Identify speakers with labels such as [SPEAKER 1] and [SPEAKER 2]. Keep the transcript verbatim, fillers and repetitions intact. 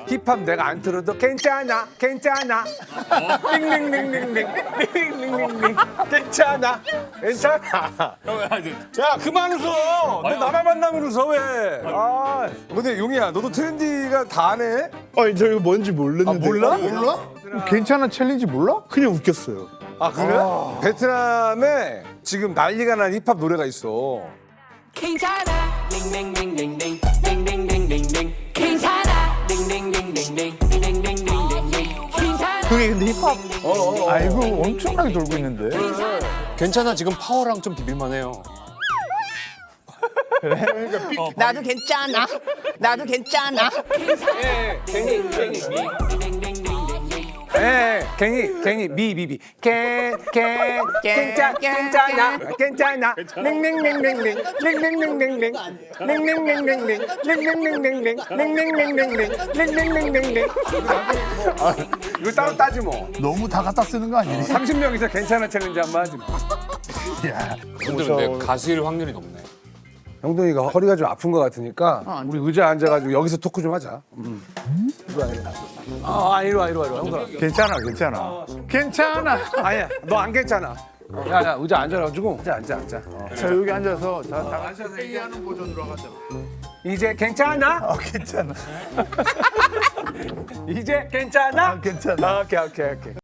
[SPEAKER 1] 힙합 내가 안 틀어도 괜찮아 괜찮아 링링링링링 링링링링 괜찮아 괜찮아 야 그만 웃어 너 나만 만나면 웃어 왜아 근데 용이야 너도 트렌디가 다 아네?
[SPEAKER 2] 아니 저 이거 뭔지 모르는데.
[SPEAKER 1] 아, 몰라?
[SPEAKER 2] 몰라?
[SPEAKER 3] 괜찮아 챌린지 몰라?
[SPEAKER 2] 그냥 웃겼어요.
[SPEAKER 1] 아 그래? 베트남에 지금 난리가 난 힙합 노래가 있어
[SPEAKER 4] 괜찮아 링링링링링 링링링링링 괜찮아 링링링링링 링링링링링 괜찮아
[SPEAKER 3] 그게 근데 힙합 아이고 엄청나게 돌고 있는데.
[SPEAKER 5] 괜찮아 지금 파워랑 좀 비빌만해요.
[SPEAKER 6] 나도 괜찮아. 나도 괜찮아.
[SPEAKER 1] 예, 갱이, 갱이, 미, 미, 미. 갱, 갱, 괜찮, 괜찮아, 괜찮아. 링링링링링, 링링링링링, 링링링링링, 링링링링링, 링링링링링, 링링링링링. 이거 따로 따지 뭐.
[SPEAKER 3] 너무 다 갖다 쓰는 거 아니니?
[SPEAKER 1] 삼십 명이서 괜찮아 챌린지 한번 하지 뭐.
[SPEAKER 5] 근데 근데 가수일 확률이 높네.
[SPEAKER 1] 형동이가 허리가 좀 아픈 것 같으니까 우리 의자 앉아가지고 여기서 토크 좀 하자. 음. 이리 와, 이리 와. 아, 이리 와, 이리 와, 이리 와. 형동아.
[SPEAKER 3] 괜찮아 괜찮아. 괜찮아.
[SPEAKER 1] 아니야, 너 안 괜찮아. 야, 야, 의자 앉아가지고. 앉아, 앉아, 앉아. 어.
[SPEAKER 3] 자 여기 앉아서 다, 다 같이 회의하는 버전으로 하자.
[SPEAKER 1] 이제 괜찮아?
[SPEAKER 3] 어 괜찮아.
[SPEAKER 1] 이제 괜찮아?
[SPEAKER 3] 아, 괜찮아.
[SPEAKER 1] 오케이, 오케이, 오케이.